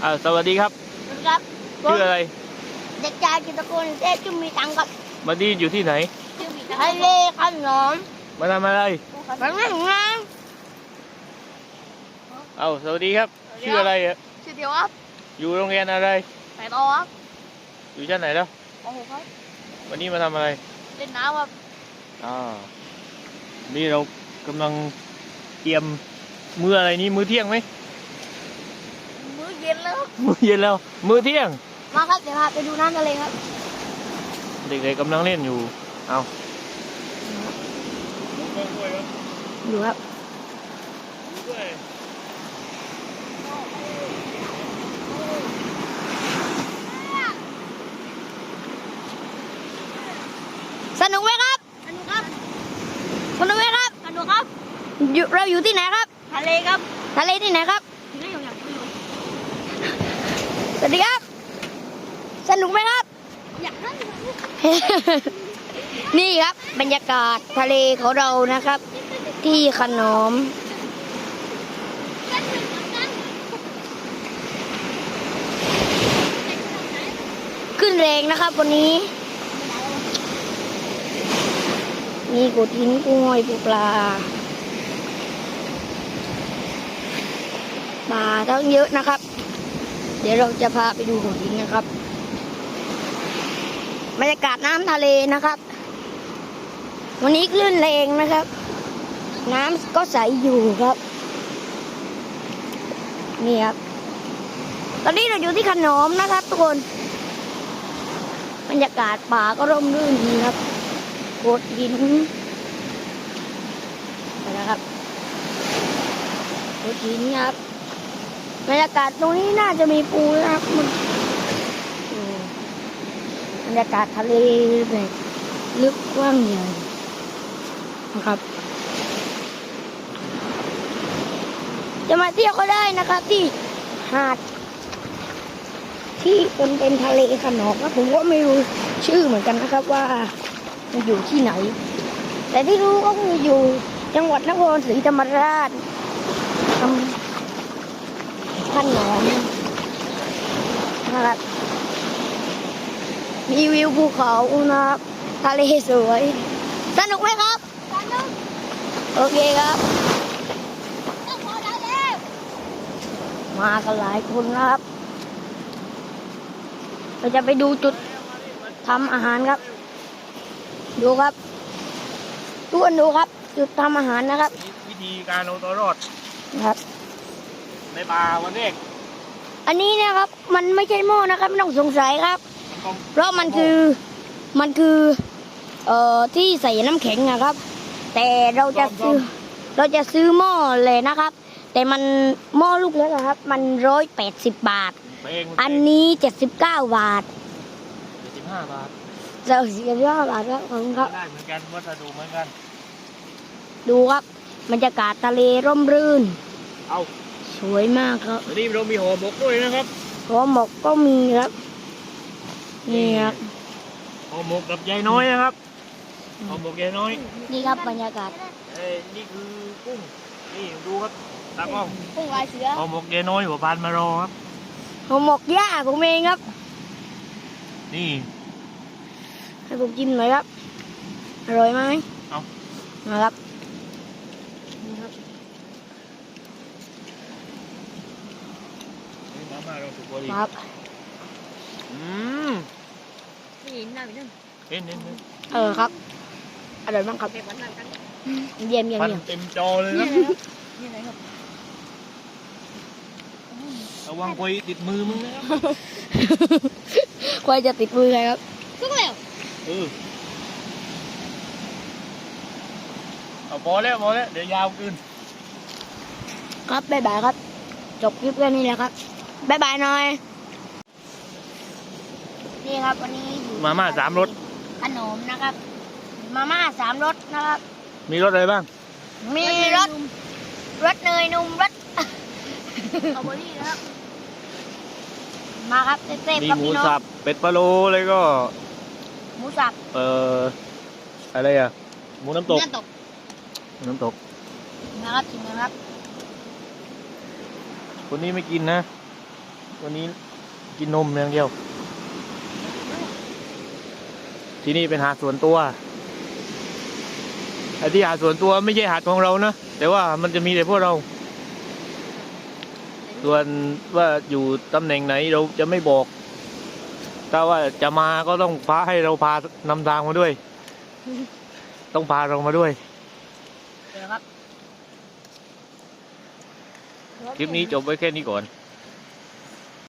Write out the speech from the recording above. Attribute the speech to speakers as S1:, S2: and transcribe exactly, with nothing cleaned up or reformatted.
S1: อ่าสวัสดีครับ
S2: สวัสดีครับ
S1: ชื่ออะไร
S2: เด็กชายจิตรกรเทพจุมีตังครับ
S1: มาดีอยู่ที่ไหน
S2: ทะเลขนม
S1: มาทำอะไร
S2: มาเล่นน้
S1: เอาสวัสดีครับชื่ออะไรอ่ะ
S2: ำชื่อเดียวครับ
S1: อยู่โรงเรียนอะไร
S2: ไหนต่อครับ
S1: อยู่ชั้นไหนแล้ว
S2: ป .หก ครับ
S1: วันนี้มาทำอะไร
S2: เล่นน้ำครับ
S1: อ่านี่เรากำลังเตรียมมื้ออะไรนี้มื้อเที่ยงไหม
S2: มื้อเย็นแล้ว
S1: มื้อเย็นแล้วมื้อเที่ยง
S2: มาครับเดี๋ยวพาไปดูน้ำทะเลครับ
S1: เด็กๆกำลังเล่นอยู่เอา
S2: ดูครับสนุกไหมครับสนุกครับสนุกไหมครับสนุกครับอยู่เราอยู่ที่ไหนครับทะเลครับทะเลที่ไหนครับสวัสดีครับสนุกไหมครับอยากนั่ง นี่ครับบรรยากาศทะเลของเรานะครับที่ขนอมขึ้นแรงนะครับวันนี้มีกุดหินกุ้งหอยปูปลาปลาทั้งเยอะนะครับเดี๋ยวเราจะพาไปดูกุดหินนะครับบรรยากาศน้ำทะเลนะครับวันนี้คลื่นแรงนะครับน้ำก็ใสอยู่ครับนี่ครับตอนนี้เราอยู่ที่ขนอมนะครับทุกคนบรรยากาศป่าก็ร่มรื่นดีครับโขดหินนะครับโขดหินครับบรรยากาศตรงนี้น่าจะมีปูนะครับมันบรรยากาศทะเลแบบลึกกว้างใหญ่นะครับจะมาเที่ยวก็ได้นะครับที่หาดที่เป็นเป็นทะเลขนอมผมก็ไม่รู้ชื่อเหมือนกันนะครับว่ามันอยู่ที่ไหนแต่ที่รู้ก็คืออยู่จังหวัดนครศรีธรรมราชทำขนอมนะครับมีวิวภูเขานะครับทะเลสวยสนุกไหมครับสนุกโอเคครับมากันหลายคนนะครับเราจะไปดูจุดทำอาหารครับดูครับทุกคนดูครับจุดทำอาหารนะครับ
S1: วิธีการเอาตัวรอด
S2: นะครับ
S1: ในป่าวันแรก
S2: อันนี้นะครับมันไม่ใช่หม้อนะครับไม่ต้องสงสัยครับเพราะมันคือมันคือเอ่อที่ใส่น้ำแข็งนะครับแต่เราจะซื้อเราจะซื้อหม้อเลยนะครับแต่มันหม้อลูกเล็กนะครับมันร้อยแปดสิบบาทอันนี้เจ็ดสิบเก้าบาท
S1: เจ็ดสิบห้าบาท
S2: เจ็ดสิบห้าบาทครับขอบคุณครับ
S1: ได้เหมือนกันวัสดุเหมือนกัน
S2: ดูครับบรรยากาศทะเลร่มรื่น
S1: เอา
S2: สวยมากครับ
S1: วันนี้เรามีห่อหมกด้วยนะครับ
S2: ห่อหมกก็มีครับนี่ครับ
S1: ห่อหมกกับยายน้อยนะครับห่อหมกยายน้อย
S2: นี่ครับบรรยากาศ
S1: เอ้ยนี่คือกุ้งนี่ดูครับตากล้อง
S2: กุ้งลายเสือ
S1: ห่อหมกยายน้อยหัวพานมารอครับ
S2: ห่อหมกย่าผมเองครับ
S1: นี่
S2: ให้ผมจิ้มหน่อยครับอร่อยไหม
S1: เอา
S2: นะครับนี่ครับ
S1: มามาเราถูกบริ
S2: ครับ
S1: อืม
S2: นี่น่าไปนึ่ง
S1: เห็นเห็น
S2: เออครับอร่อยมากครับเยี่ยมเยี่ยมเยี่ยม
S1: เต็มจอเลยนะระวังควยติดมือมึงนะครับ
S2: ควยจะติดมือใครครับทุกแล้ว
S1: เออเอาพอแล้วพอแล้วเดี๋ยวยาวขึ้น
S2: ครับบ๊ายบายครับจบคลิปแค่นี้แหละครับบ๊ายบายหน่อยนี่ครับวันนี้
S1: มาม่าสามรส
S2: ขนมนะครับมาม่าสามรสนะครับ
S1: มีรสอะไรบ้าง
S2: มีรสรสเนยนุ่มรสสตรอเบอรี่นะครับมาครับเต้ๆ
S1: มีหมูสับเป็ดพะโล้แล้วก็
S2: หมูสับ
S1: เอ่ออะไรอ่ะหมูน้ำตก
S2: น้ำตก
S1: น้ำตก
S2: นะครับชิมนะครับ
S1: คนนี้ไม่กินนะวันนี้กินนมอย่างเดียว ที่นี่เป็นหาดส่วนตัวไอ้ที่หาดส่วนตัวไม่ใช่หาดของเรานะแต่ว่ามันจะมีแต่พวกเรา ส่วนว่าอยู่ตำแหน่งไหนเราจะไม่บอก ถ้าว่าจะมาก็ต้องพาให้เราพานำทางมาด้วย ต้องพาเรามาด้วย
S2: เดี๋ยวครับ
S1: คลิปนี้จบไว้แค่นี้ก่อน